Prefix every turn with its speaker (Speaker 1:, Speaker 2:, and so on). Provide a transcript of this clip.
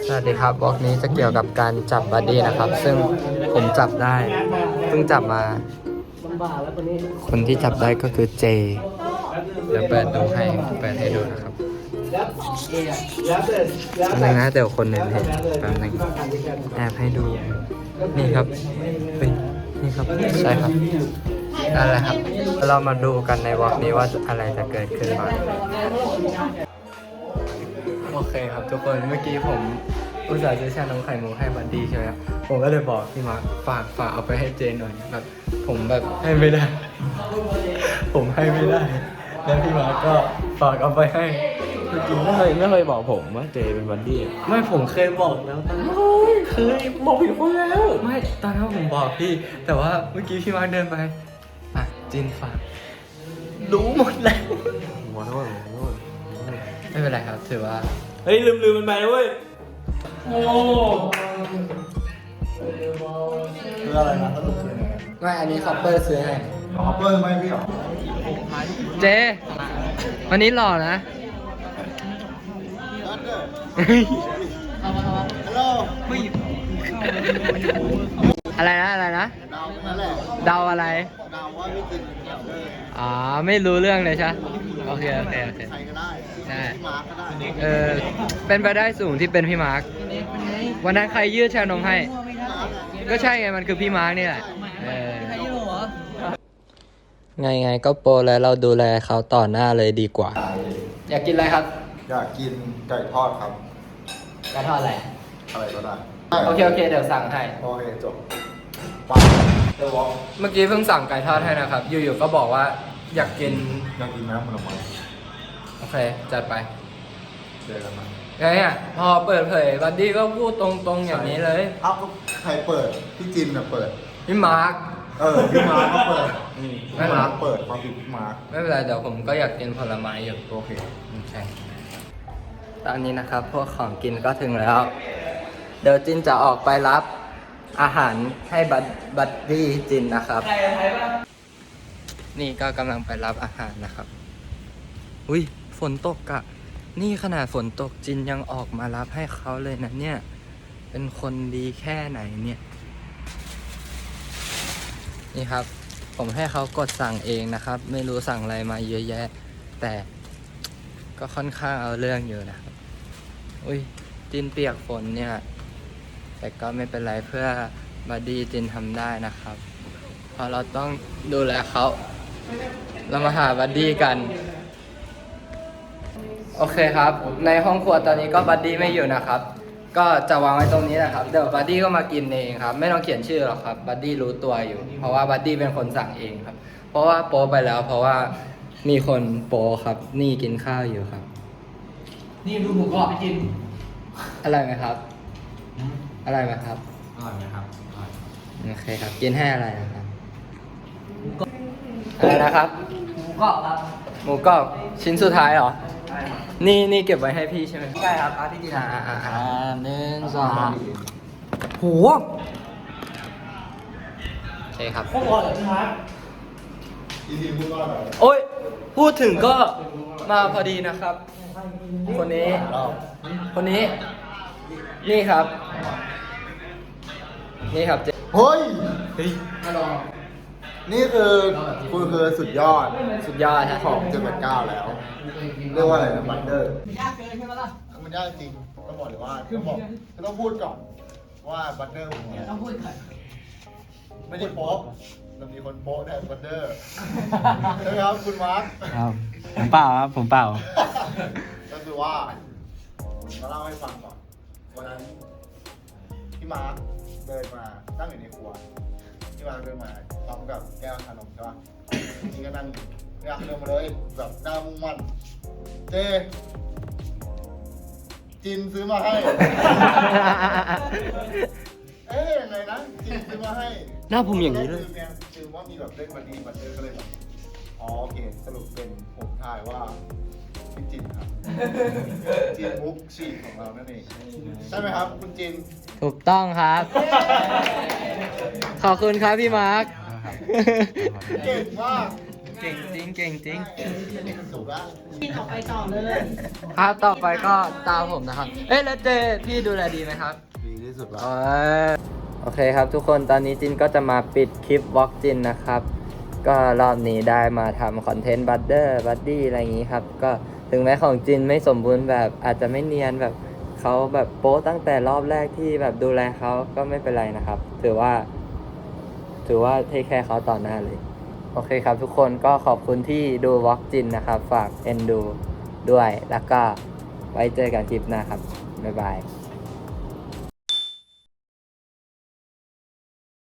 Speaker 1: สวัสดีครับบล็อกนี้จะเกี่ยวกับการจับบัดดี้นะครับ ซึ่งผมจับได้เพิ่งจับมาคนที่จับได้ก็คือเจเดี๋ยวเปิดให้ดูนะครับอันนึงนะเดี๋ยวคนหนึ่งเห็นแป๊บนึงแอบให้ดูนี่ครับนี่ครับใช่ครับนั่นแหละครับเรามาดูกันในบล็อกนี้ว่าอะไรจะเกิดขึ้นบ้างโอเคครับทุกคนเมื่อกี้ผมอุตส่าห์ซื้อชานมไข่มุกให้บัดดี้ใช่ไหมครับผมก็เลยบอกพี่มาร์คฝากเอาไปให้เจนหน่อยแบบผมแบบให้ไม่ได้ ผมให้ไม่ได้แล้วพี่มาร์คก็ฝากเอาไปให้
Speaker 2: จริงๆไม่เคยบอกผมว่าเจเป็นบัดดี้
Speaker 1: ไม่ผมเคยบอกแล้วตอนนั้น
Speaker 2: เคยบอกผิดคนแล้ว
Speaker 1: ไม่ตอนนั้นผมบอกพี่แต่ว่าเมื่อกี้พี่มาร์คเดินไปอ่ะจินฝากรู้หมดแล้ว
Speaker 2: ขอโทษ
Speaker 1: ไม่เป็นไรครับถือว่า
Speaker 2: เฮ้ยลืมมันไปเว้ยโอ้
Speaker 3: คืออะไรนะสรุปคือไง
Speaker 1: ไม่อันนี้คอปเปอร์ซื้อให้
Speaker 3: คอปเปอร์ไม่พี่หรอ
Speaker 1: เจวันนี้หล่อนะ
Speaker 3: ฮัลโหล
Speaker 1: อะไรนะ
Speaker 3: เดานั่นแหละ
Speaker 1: เดาอะไร
Speaker 3: เดาว่าพี่กิน
Speaker 1: อ๋อไม่รู้เรื่องเลยใช่โอเค
Speaker 3: ใครก็ได้
Speaker 1: ใช่
Speaker 3: พี่มาร์คก็ได้
Speaker 1: เป็นไปได้สูงที่เป็นพี่มาร์ควันนั้นใครยืดชานมให้ก็ใช่ไงมันคือพี่มาร์คนี่แหละไงก็โปรแล้วเราดูแลเขาต่อหน้าเลยดีกว่าอยากกินอะไรครับ
Speaker 3: อยากกินไก่ทอดครับ
Speaker 1: ไก่ทอดอะไร
Speaker 3: ก็ได้
Speaker 1: โอเคเดี๋ยวสั่งให้
Speaker 3: โอเคจบ
Speaker 1: เมื่อกี้เพิ่งสั่งไก่ทอดให้นะครับอยู่ๆก็บอกว่าอยากกิน
Speaker 3: น้ำผลไม้
Speaker 1: โอเคจัดไป
Speaker 3: เจอกันมา
Speaker 1: เนี่ยพอเปิดเผยบัดดี้ก็พูดตรงๆอย่างนี้เลย
Speaker 3: เอ้าใครเปิดพี่จินน่ะเปิด
Speaker 1: พี่มาร์ค
Speaker 3: พี่มาร์คก็เปิด
Speaker 1: ไม่
Speaker 3: มาร์คเปิดความผิดพี่มาร์ค
Speaker 1: ไม่เป็นไรเดี๋ยวผมก็อยากกินผลไม้อยู่
Speaker 3: โอเค
Speaker 1: ใช่ตอนนี้นะครับพวกของกินก็ถึงแล้วเดี๋ยวจินจะออกไปรับอาหารให้บัดดี้จินนะครับนี่ก็กำลังไปรับอาหารนะครับอุ้ยฝนตกอะนี่ขนาดฝนตกจินยังออกมารับให้เขาเลยนะเนี่ยเป็นคนดีแค่ไหนเนี่ยนี่ครับผมให้เขากดสั่งเองนะครับไม่รู้สั่งอะไรมาเยอะแยะแต่ก็ค่อนข้างเอาเรื่องอยู่นะครับอุ้ยจินเปียกฝนเนี่ยแต่ก็ไม่เป็นไรเพื่อบัดดี้จินทำได้นะครับเพราะเราต้องดูแลเขาเรามาหาบัดดี้กันโอเคครับในห้องครัวตอนนี้ก็บัดดี้ไม่อยู่นะครับก็จะวางไว้ตรงนี้นะครับเดี๋ยวบัดดี้ก็มากินเองครับไม่ต้องเขียนชื่อหรอกครับบัดดี้รู้ตัวอยู่เพราะว่าบัดดี้เป็นคนสั่งเองครับเพราะว่าโป๊ไปแล้วเพราะว่ามีคนโป๊ครับนี่กินข้าวอยู่ครับ
Speaker 2: นี่ดูหมูกรอบไปกิน
Speaker 1: อะไรไหมครับอะไรไหมครับ
Speaker 2: อร่อยไหมครับ
Speaker 1: โอเคครับกินให้อะไรนะครับอะไรนะครับ
Speaker 2: หมูกรอบครับ
Speaker 1: หมูกรอบชิ้นสุดท้ายเหรอนี่เก็บไว้ให้พี่ใช่ไหม
Speaker 2: ใช่ครับที่กิน
Speaker 1: 1 2โหโอเคครับ
Speaker 2: โคตรอร่อยเลยครับ
Speaker 3: จริงๆพูดว่าอะไร
Speaker 1: โอ้ยพูดถึงก็มาพอดีนะครับคนนี้นี่ครับเ
Speaker 3: ฮ้ย
Speaker 1: มาลอง
Speaker 3: นี่คือคุณคือสุดยอด
Speaker 1: ฮะ
Speaker 3: ของ789แล้วเรียกว่าอะไรนะบัตเตอร์มันยากเกินใช่ไหมล่ะมันยากจริงต้องบอกเลยว่าต้องพูดก่อนว่าบัตเตอร์ผมเนี่ยต้องพูดก่อนไม่ได้โป๊ะเรามีคนโป๊ะได้บัตเตอร์ใช่ไหมครับคุณมาร์ค
Speaker 2: ครับผมเปล่า
Speaker 3: ก็คือว่ามาเล่าให้ฟังก่อนวันนั้นพี่มาร์คเดินมาตั้งอยู่ในครัวพี่มาร์คเดินมาพร้อมกับแก้วชานมใช่ป่ะนี่ก็นั่งอยู่อยากเดินมาเลยแบบหน้ามุ่งมั่นเจจินซื้อมาให้ยังไงนะจินซื้อมาให้
Speaker 1: หน้าผมอย่างนี้เลย
Speaker 3: คือว่ามีแบบเล่นบัดดี้บัตเตอร์ก็เลยแบบโอเคสรุปเป็นผมทายว่าพี่จินครับจินมุกฉีกของเรานั่นเองใช่ไหมครับคุณจิน
Speaker 1: ถูกต้องครับขอบคุณครับพี่มาร์ค
Speaker 3: เก่งมาก
Speaker 1: เก่งจริงเก่งจริง
Speaker 3: สุกแล้ว
Speaker 4: กินออกไปต่อเลย
Speaker 1: ครับต่อไปก็ตามผมนะครับ เอ้ยแล้วเจพี่ดูแลดีไหมครับ
Speaker 3: ดีที่สุดแล้ว
Speaker 1: โอเคครับทุกคนตอนนี้จินก็จะมาปิดคลิปวอล์กจินนะครับ ก็รอบนี้ได้มาทำคอนเทนต์บัตเดอร์บัดดี้อะไรอย่างนี้ครับ ก็ถึงแม้ของจินไม่สมบูรณ์แบบอาจจะไม่เนียนแบบเขาแบบโป๊ตั้งแต่รอบแรกที่แบบดูแลเขาก็ไม่เป็นไรนะครับ ถือว่าเทคแคร์เขาต่อหน้าเลย โอเคครับทุกคนก็ขอบคุณที่ดูวอล์กจินนะครับ ฝากเอ็นดูด้วยแล้วก็ไว้เจอกันคลิปหน้าครับบ๊ายบาย